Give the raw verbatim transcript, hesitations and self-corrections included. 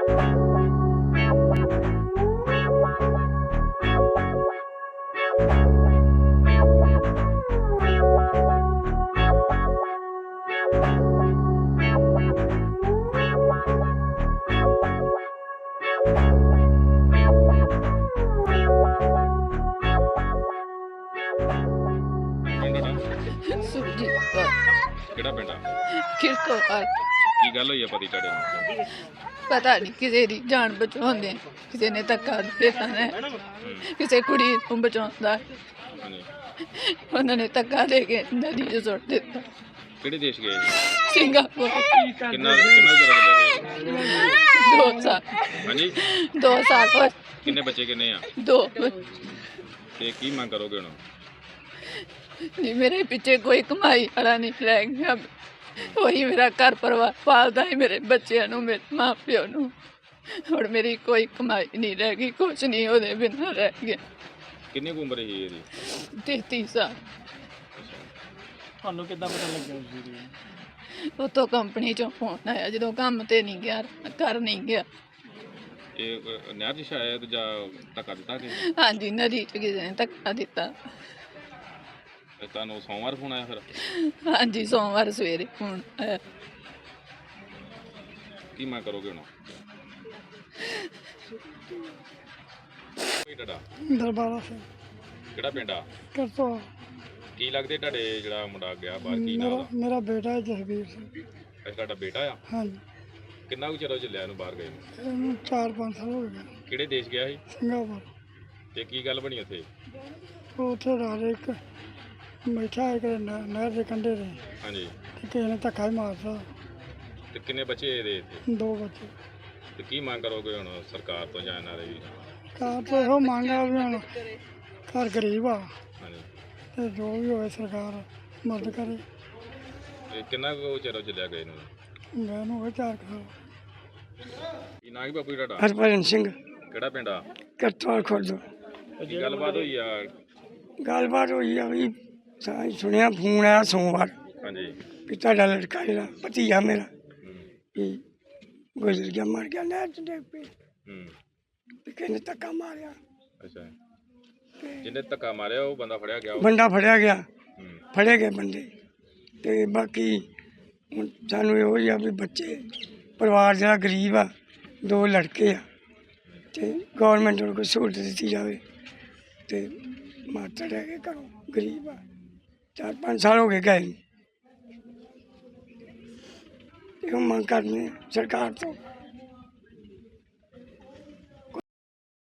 ਸੁਖਜੀਤ ਕੌਰ। ਕਿਹੜਾ ਪਿੰਡ ਆ? ਕਿਰਕੋ ਆ। ਕੀ ਗੱਲ ਹੋਈ ਆ ਪਤੀ ਤੁਹਾਡੇ ਨੂੰ? ਪਤਾ ਨਹੀਂ ਕਿਸੇ ਦੀ ਜਾਨ ਬਚਾਉਂਦੇ, ਕਿਸੇ ਨੇ ਧੱਕਾ ਦੇ ਦਿੱਤਾ ਹੈ, ਕਿਸੇ ਕੁੜੀ ਨੂੰ ਬਚਾਉਂਦਾ ਹਾਂਜੀ, ਉਹਨਾਂ ਨੇ ਧੱਕਾ ਦੇ ਕੇ ਨਦੀ 'ਚ ਸੁੱਟ ਦਿੱਤਾ। ਕਿਹੜੇ ਦੇਸ਼ ਗਏ ਸੀ? ਸਿੰਗਾਪੁਰ। ਕਿੰਨਾ ਕਿੰਨਾ ਚਿਰ ਹੋ ਗਿਆ? ਦੋ ਸਾਲ। ਹਾਂਜੀ, ਦੋ ਸਾਲ ਬਾਅਦ ਕਿੰਨੇ ਬੱਚੇ ਕਿੰਨੇ ਆ? ਦੋ। ਤੇ ਕੀ ਮੰਗ ਕਰੋਗੇ ਹੁਣ? ਨਹੀਂ, ਮੇਰੇ ਪਿੱਛੇ ਕੋਈ ਕਮਾਈ ਵਾਲਾ ਨਹੀਂ ਰਹਿ ਗਿਆ। ਉਹੀ ਮੇਰਾ ਘਰ ਪਰਿਵਾਰ ਪਾਲਦਾ ਹੈ, ਮੇਰੇ ਬੱਚਿਆਂ ਨੂੰ, ਮੇਰੇ ਮਾਂ ਪਿਓ ਨੂੰ। ਹੁਣ ਮੇਰੀ ਕੋਈ ਕਮਾਈ ਨਹੀਂ ਰਹਿ ਗਈ, ਕੁਛ ਨਹੀਂ ਉਹਦੇ ਬਿਨਾਂ ਰਹਿ ਗਿਆ। ਕਿੰਨੀ ਕੁ ਉਮਰ ਸੀ ਇਹਦੀ? ਤੇਤੀ ਸਾਲ। ਤੁਹਾਨੂੰ ਕਿੱਦਾਂ ਪਤਾ ਲੱਗਿਆ ਉਸ ਦੀ? ਉੱਥੋਂ ਕੰਪਨੀ ਚੋਂ ਫੋਨ ਆਇਆ, ਜਦੋਂ ਕੰਮ ਤੇ ਨਹੀਂ ਗਿਆ, ਘਰ ਨਹੀਂ ਗਿਆ। ਇਹ ਅ, ਨਹਿਰ 'ਚ ਸ਼ਾਇਦ ਜਾਂ ਧੱਕਾ ਦਿੱਤਾ ਕਿ ਹਾਂਜੀ, ਨਦੀ 'ਚ ਕਿਸੇ ਨੇ ਧੱਕਾ ਦਿੱਤਾ। ਤੁਹਾਨੂੰ ਸੋਮਵਾਰ ਫੋਨ ਆਇਆ ਫਿਰ? ਹਾਂਜੀ, ਸੋਮਵਾਰ ਸਵੇਰੇ ਫੋਨ ਆਇਆ। ਕੀ ਮੰਗ ਕਰੋਗੇ ਹੁਣ? ਕੋਈ ਤੁਹਾਡਾ ਦਰਬਾਰਾ ਸਿੰਘ। ਕਿਹੜਾ ਪਿੰਡ ਆ? ਕਰਤੋ। ਕੀ ਲੱਗਦੇ ਤੁਹਾਡੇ ਜਿਹੜਾ ਮੁੰਡਾ ਗਿਆ ਬਾਹਰ, ਕੀ ਨਾਮ ਮੇਰਾ ਉਹਦਾ? ਮੇਰਾ ਬੇਟਾ ਹੈ ਜਸਵੀਰ ਸਿੰਘ। ਅੱਛਾ, ਤੁਹਾਡਾ ਬੇਟਾ ਆ? ਹਾਂਜੀ, ਕਿੰਨਾ ਕੁ ਚਿਰ ਹੋ ਚੱਲਿਆ ਇਹਨੂੰ ਬਾਹਰ ਗਏ ਨੂੰ? ਇਹਨੂੰ ਚਾਰ ਪੰਜ ਸਾਲ ਹੋ ਗਏ। ਕਿਹੜੇ ਦੇਸ਼ ਗਿਆ ਸੀ? ਸਿੰਗਾਪੁਰ। ਤੇ ਕੀ ਗੱਲ ਬਣੀ ਉੱਥੇ? ਉਹ ਉੱਥੇ ਰਾਜ ਇੱਕ ਬੈਠਾ ਇੱਕ ਨਹਿਰ ਦੇ ਕੰਢੇ ਤੇ, ਹਾਂਜੀ, ਤੇ ਕਿਸੇ ਨੇ ਧੱਕਾ ਹੀ ਮਾਰਤਾ। ਤੇ ਕਿੰਨੇ ਬੱਚੇ ਇਹਦੇ ਇੱਥੇ? ਦੋ ਬੱਚੇ। ਤੇ ਕੀ ਮੰਗ ਕਰੋਗੇ ਹੁਣ ਸਰਕਾਰ ਤੋਂ ਜਾਂ ਇਹਨਾਂ ਦੇ ਵੀ? ਕਾਰ ਤੋਂ ਇਹੋ ਮੰਗ ਆ ਵੀ ਹੁਣ ਘਰ ਗਰੀਬ ਆ, ਹਾਂਜੀ, ਤੇ ਜੋ ਵੀ ਹੋਵੇ ਸਰਕਾਰ ਮਦਦ ਕਰੇ। ਤੇ ਕਿੰਨਾ ਕੁ ਚਿਰ ਹੋ ਚੱਲਿਆ ਗਏ ਨੂੰ? ਮੈਂ ਨੂੰ ਹੋਵੇ ਚਾਰ ਕੁ ਸਾਲ। ਕੀ ਨਾਂ ਕੀ ਬਾਪੂ ਜੀ ਤੁਹਾਡਾ? ਹਰਭਜਨ ਸਿੰਘ। ਕਿਹੜਾ ਪਿੰਡ ਆ? ਕਰਤਵਾਲ ਖੁਰਦ। ਕੀ ਗੱਲਬਾਤ ਹੋਈ ਆ? ਗੱਲਬਾਤ ਹੋਈ ਆ ਵੀ ਸਾਂ ਸੁਣਿਆ ਫੋਨ ਆਇਆ ਸੋਮਵਾਰ ਹਾਂਜੀ, ਵੀ ਤੁਹਾਡਾ ਲੜਕਾ ਜਿਹੜਾ ਭਤੀਜਾ ਮੇਰਾ ਹੂੰ, ਵੀ ਗੁਜ਼ਰ ਗਿਆ, ਮਰ ਗਿਆ ਨਹਿਰ 'ਚ ਡਿੱਗ ਪਈ। ਹੂੰ, ਵੀ ਕਿਸੇ ਨੇ ਧੱਕਾ ਮਾਰਿਆ, ਅੱਛਾ। ਜਿਹਨੇ ਧੱਕਾ ਮਾਰਿਆ ਉਹ ਬੰਦਾ ਫੜਿਆ ਗਿਆ? ਉਹ? ਬੰਦਾ ਫੜਿਆ ਗਿਆ, ਹੂੰ, ਫੜੇ ਗਏ ਬੰਦੇ। ਤੇ ਬਾਕੀ ਹੁਣ ਸਾਨੂੰ ਇਹੋ ਹੀ ਆ ਵੀ ਬੱਚੇ ਪਰਿਵਾਰ ਜਿਹੜਾ ਗਰੀਬ ਆ, ਦੋ ਲੜਕੇ ਆ, ਤੇ ਗੌਰਮੈਂਟ ਨੂੰ ਕੋਈ ਸਹੂਲਤ ਦਿੱਤੀ ਜਾਵੇ। ਤੇ ਮਾਤਾ ਰਹਿ ਕੇ ਘਰੋਂ ਗਰੀਬ ਆ, ਚਾਰ ਪੰਜ ਸਾਲ ਹੋ ਗਏ ਗਏ ਨੂੰ। ਇਹੋ ਮੰਗ ਕਰਨੀ ਸਰਕਾਰ ਤੋਂ।